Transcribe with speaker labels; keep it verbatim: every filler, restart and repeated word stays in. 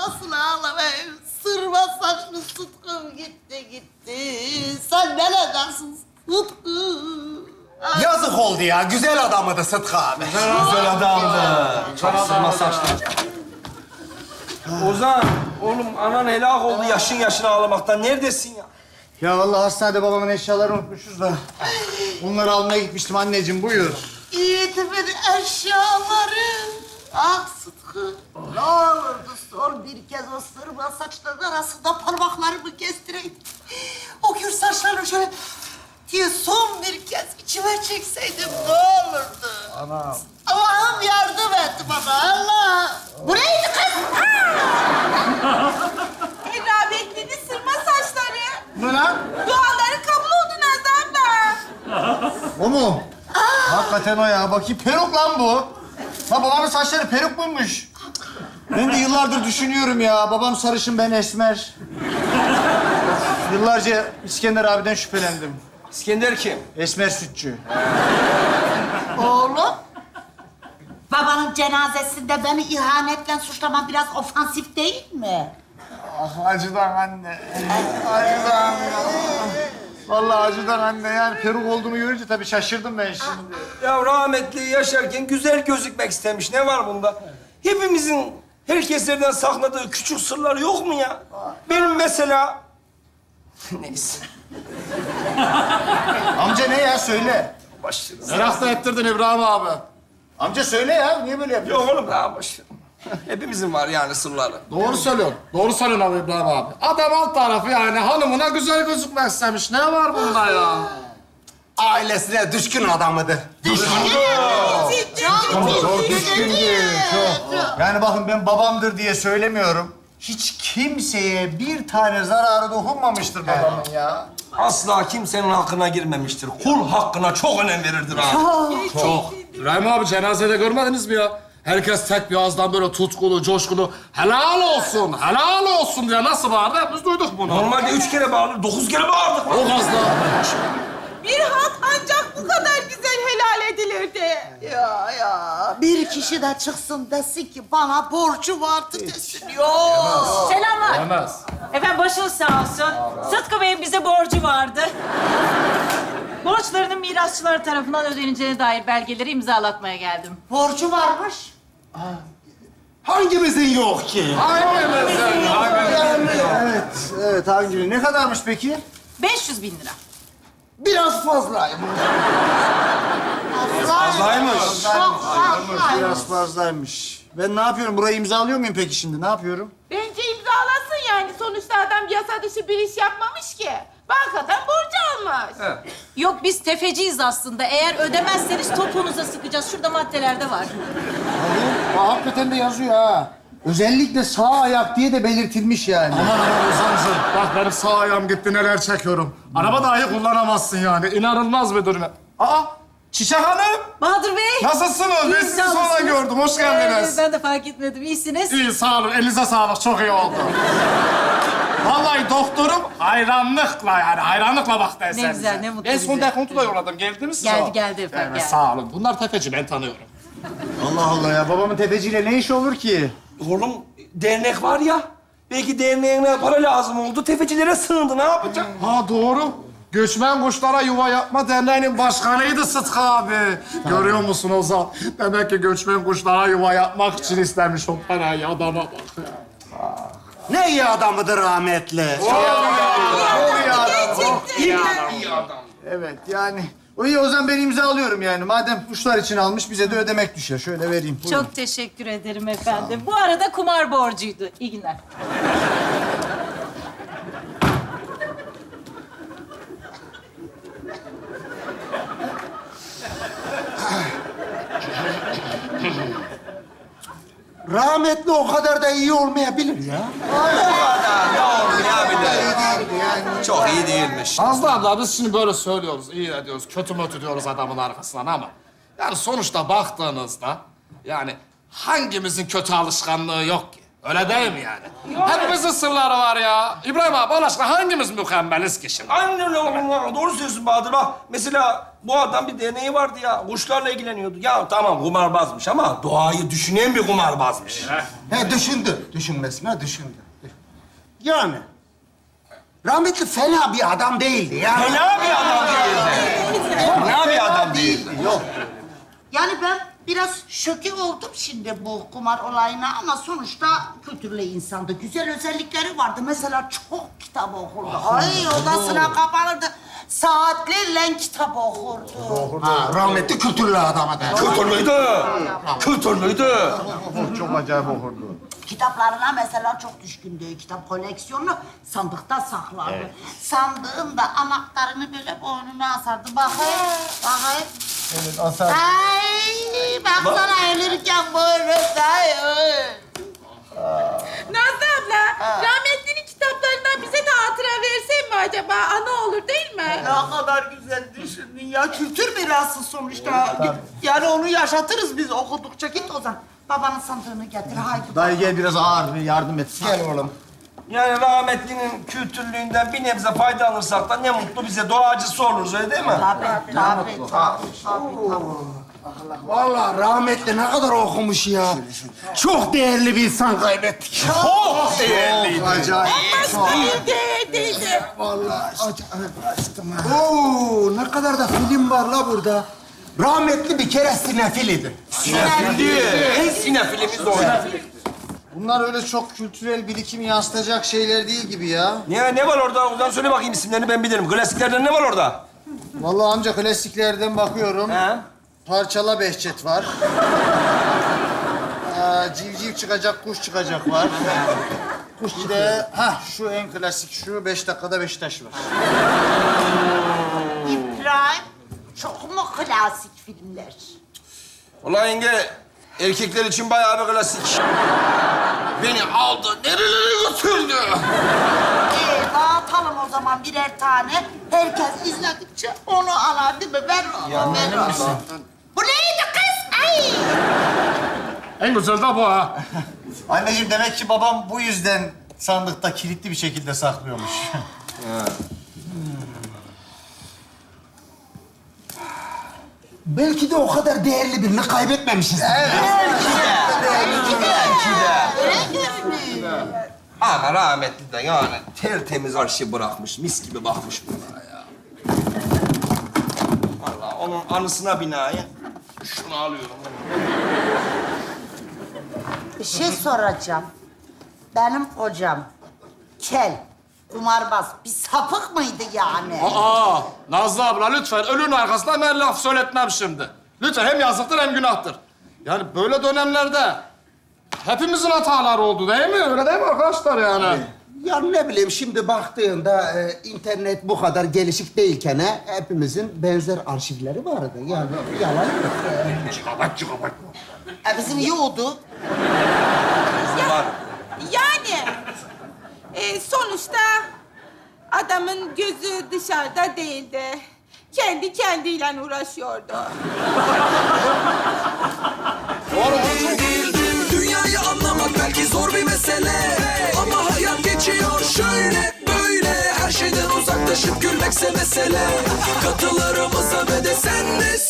Speaker 1: ağlamasın ağlama. Sırma saçlı Sıtkım gitti gitti. Sen neredensin Sıtkı? Ay.
Speaker 2: Yazık oldu ya. Güzel adamıydı Sıtkı abi.
Speaker 3: Güzel adamdı. Çok sırma saçlı. Ozan, oğlum anan helak oldu yaşın yaşına ağlamaktan. Neredesin ya?
Speaker 4: Ya vallahi hastanede babamın eşyalarını unutmuşuz da. Onları almaya gitmiştim anneciğim, buyur.
Speaker 1: Yiğitimin eşyaları. Ah Sıtkı. Ne olurdu son bir kez o sırma saçların arasında parmaklarımı kestireydim. O gür saçlarını şöyle diye son bir kez içime çekseydim ne olurdu?
Speaker 4: Anam.
Speaker 1: Allah'ım yardım et bana Allah. Bu neydi kız?
Speaker 5: Rahmetlinin sırma saçları.
Speaker 4: Ne lan?
Speaker 5: Duaları kabul oldu Nazan da.
Speaker 4: O mu? Hakikaten o ya. Bakayım peruk lan bu. Ha babamın saçları peruk muymuş? Ben de yıllardır düşünüyorum ya. Babam sarışın, ben esmer. Yıllarca İskender abiden şüphelendim.
Speaker 3: İskender kim?
Speaker 4: Esmer sütçü.
Speaker 1: Oğlum. Babanın cenazesinde beni ihanetle suçlaman biraz ofansif değil mi?
Speaker 4: Ah acıdan anne. Acıdan ya. Vallahi acıdan anne. Yani peruk olduğumu görünce tabii şaşırdım ben şimdi.
Speaker 3: Ya rahmetli yaşarken güzel gözükmek istemiş. Ne var bunda? Hepimizin herkeslerden sakladığı küçük sırlar yok mu ya? Benim mesela... Neyse.
Speaker 4: Amca ne ya? Söyle.
Speaker 3: Başlarız.
Speaker 4: Merak da ettirdin İbrahim abi. Amca söyle ya. Niye böyle yapıyorsun?
Speaker 3: Yok oğlum daha boş ver. Hepimizin var yani sırları.
Speaker 6: Doğru söylüyorsun. Doğru söylüyorsun abi İbrahim abi. Adam alt tarafı yani hanımına güzel gözükmek istemiş. Ne var bunda ya?
Speaker 2: Ailesine düşkün adamıydı.
Speaker 4: Çok düşkündü, çok. Yani bakın ben babamdır diye söylemiyorum. Hiç kimseye bir tane zararı dokunmamıştır babamın ya.
Speaker 3: Asla kimsenin hakkına girmemiştir. Kul hakkına çok önem verirdir abi.
Speaker 6: Çok. İbrahim abi cenazede görmediniz mi ya? Herkes tek bir ağızdan böyle tutkulu, coşkulu helal olsun, helal olsun diye nasıl bağırdı? Biz duyduk bunu.
Speaker 3: Normalde üç kere bağırır, dokuz kere bağırdık.
Speaker 6: O gazla.
Speaker 5: Bir hak ancak bu kadar güzel helal edilirdi.
Speaker 1: Ya ya bir kişi de çıksın desin ki bana borcu vardı desin. Yok.
Speaker 7: Selamlar.
Speaker 6: Demez.
Speaker 7: Efendim başınız sağ olsun. Sıtkı Bey'in bize borcu vardı. Borçlarının mirasçıları tarafından ödeneceğine dair belgeleri imzalatmaya geldim.
Speaker 1: Borcu varmış.
Speaker 2: Hangimizin yok ki?
Speaker 6: Hangimizin? Hangimizin?
Speaker 4: Evet, evet hangi? Ne kadarmış peki?
Speaker 7: beş yüz bin lira.
Speaker 2: Biraz fazlayım.
Speaker 3: Fazlaymış.
Speaker 1: Çok fazla.
Speaker 4: Biraz fazlaymış. Ben ne yapıyorum? Burayı imzalıyor muyum peki şimdi? Ne yapıyorum?
Speaker 5: Bence imzalasın yani. Sonuçta adam yasa dışı bir iş yapmamış ki. Bankadan borcu almış.
Speaker 7: Yok biz tefeciyiz aslında. Eğer ödemezseniz topuğunuza sıkacağız. Şurada maddelerde var.
Speaker 4: Hadi. Aa, hakikaten de yazıyor ha. Özellikle sağ ayak diye de belirtilmiş yani.
Speaker 6: Aman aman Ozan'cığım. Bak benim sağ ayağım gitti neler çekiyorum. Araba dahi kullanamazsın yani. İnanılmaz bir durum. Aa! Çiçek Hanım!
Speaker 7: Bahadır Bey.
Speaker 6: Nasılsınız? Ben
Speaker 7: İyiyim,
Speaker 6: sizi
Speaker 7: sağ
Speaker 6: sonra
Speaker 7: olasınız.
Speaker 6: gördüm. Hoş geldiniz.
Speaker 7: Ee, ben de fark etmedim. İyisiniz.
Speaker 6: İyi, sağ olun. Elinize sağlık. Çok iyi oldu. Vallahi doktorum hayranlıkla yani hayranlıkla baktı eserize.
Speaker 7: güzel, ne mutlu
Speaker 6: En son
Speaker 7: bize.
Speaker 6: dekontu da yolladım. Geldiniz mi?
Speaker 7: Geldi, geldi efendim,
Speaker 6: Evet,
Speaker 7: geldi.
Speaker 6: sağ olun. Bunlar tefeci, ben tanıyorum.
Speaker 4: Allah Allah ya. Babamın tefeciyle ne işi olur ki?
Speaker 3: Oğlum dernek var ya. Belki derneğine para lazım oldu. Tefecilere sığındı. Ne yapacak?
Speaker 6: Ha doğru. Göçmen Kuşlara Yuva Yapma Derneği'nin başkanıydı Sıtkı abi. Görüyor musun Ozan? Demek ki göçmen kuşlara yuva yapmak için istemiş o parayı. Adama bak ya.
Speaker 2: Ne iyi adamıdır rahmetli.
Speaker 4: Evet yani. O iyi o zaman ben imzalıyorum yani. Madem kuşlar için almış bize de ödemek düşer. Şöyle vereyim. Buyurun.
Speaker 7: Çok teşekkür ederim efendim. Bu arada kumar borcuydu. İyi günler.
Speaker 2: Rahmetli o kadar da iyi olmayabilir ya.
Speaker 4: Yani
Speaker 3: Çok iyi değilmiş.
Speaker 6: Nazlı abla biz şimdi böyle söylüyoruz, iyi de diyoruz, kötü mötü diyoruz adamın arkasından ama... ...yani sonuçta baktığınızda yani hangimizin kötü alışkanlığı yok ki? Öyle değil mi yani? Hepimizin sırları var ya. İbrahim abi Allah aşkına hangimiz mükemmeliz ki şimdi?
Speaker 3: Aynen öyle oğlum ya. Doğru söylüyorsun Bahadır. Bak mesela bu adam bir deneyi vardı ya. Kuşlarla ilgileniyordu. Ya tamam kumarbazmış ama doğayı düşünen bir kumarbazmış.
Speaker 2: He düşündü. Düşünmesine düşündü. Yani rahmetli fena bir adam değildi ya.
Speaker 3: Fena bir adam değildi. Fena bir adam değildi.
Speaker 2: Yok.
Speaker 1: Yani ben biraz şoke oldum şimdi bu kumar olayına ama sonuçta kültürlü insandı. Güzel özellikleri vardı. Mesela çok kitap okurdu. Ay odasına kapanırdı. Saatlerle kitap okurdu.
Speaker 2: Ha, rahmetli kültürlü adama der.
Speaker 3: Kültürlüydü. Kültürlüydü.
Speaker 4: Çok acayip okurdu.
Speaker 1: Kitaplarına mesela çok düşkündü. Kitap koleksiyonunu sandıkta saklardı. Sandığın da anahtarını böyle boynuna asardı. Bakayım, bakayım.
Speaker 4: Evet, asar.
Speaker 1: Ay, baksana ölürken böyle. Ay, ay.
Speaker 5: Nazlı abla, rahmetlinin kitaplarından bize de hatıra versen mi acaba? Ana olur değil mi?
Speaker 1: Ne kadar güzel düşündün ya. Kültür mirası sonuçta. Yani onu yaşatırız biz okudukça. Git o zaman. Babanın sandığını getir. Haydi.
Speaker 4: Dayı gel biraz ağır bir yardım et.
Speaker 2: Gel oğlum.
Speaker 3: Yani rahmetlinin kültürlüğünden bir nebze fayda alırsak da ne mutlu bize. Doğacısı oluruz öyle değil mi?
Speaker 1: Tabii, tabii, tabii, tabii.
Speaker 2: Vallahi rahmetli ne kadar okumuş ya. Çok değerli bir insan kaybettik.
Speaker 3: Çok değerliydi.
Speaker 4: Acayip.
Speaker 5: Başka bir değerdeydi.
Speaker 2: Vallahi aşkım ha. Oo, ne kadar da film var la burada. Rahmetli bir kere sinefilidi.
Speaker 3: Sinefildi. En sinefilimiz de o.
Speaker 4: Bunlar öyle çok kültürel birikim yansıtacak şeyler değil gibi ya.
Speaker 3: Ne, ne var orada? Oradan söyle bakayım isimlerini ben bilirim. Klasiklerden ne var orada?
Speaker 4: Vallahi amca klasiklerden bakıyorum.
Speaker 3: He?
Speaker 4: Parçala Behçet var. Ee, civciv çıkacak, kuş çıkacak var. Kuş bir de, hah şu en klasik şu, beş dakikada Beşiktaş var.
Speaker 1: İbrahim, çok mu klasik filmler?
Speaker 3: Ulan yenge, erkekler için bayağı bir klasik. Beni aldı, nerelere götürdü?
Speaker 1: Ee, dağıtalım o zaman birer tane. Herkes izledikçe onu alar değil mi? Ver onu, ver onu. Bu neydi kız? Ay!
Speaker 6: En güzel de bu ha.
Speaker 4: Anneciğim demek ki babam bu yüzden sandıkta kilitli bir şekilde saklıyormuş.
Speaker 2: Belki de o kadar değerli birini kaybetmemişiz.
Speaker 1: Öyle görünüyor.
Speaker 3: Ama rahmetli de yani tertemiz arşiv bırakmış, mis gibi bakmış bunlara ya. Vallahi onun anısına binaen şunu alıyorum.
Speaker 1: Bir şey soracağım. Benim hocam kel, kumarbaz, bir sapık mıydı yani?
Speaker 6: Aa, Nazlı abla lütfen ölünün arkasından ben laf söyletmem şimdi. Lütfen hem yazıktır hem günahtır. Yani böyle dönemlerde hepimizin hataları oldu değil mi? Öyle değil mi arkadaşlar yani?
Speaker 2: Ya ne bileyim şimdi baktığında e, internet bu kadar gelişik değilken he, hepimizin benzer arşivleri vardı. Yani yalan yok.
Speaker 6: Çıkabat çıkabat.
Speaker 1: E bizim iyi oldu.
Speaker 3: Var.
Speaker 5: Yani e, sonuçta adamın gözü dışarıda değildi. Kendi kendiyle uğraşıyordu.
Speaker 8: Dünyayı anlamak belki zor bir mesele, ama hayat geçiyor şöyle böyle. Her şeyden uzaklaşıp gülmekse mesele. Katılarımıza ve de sen de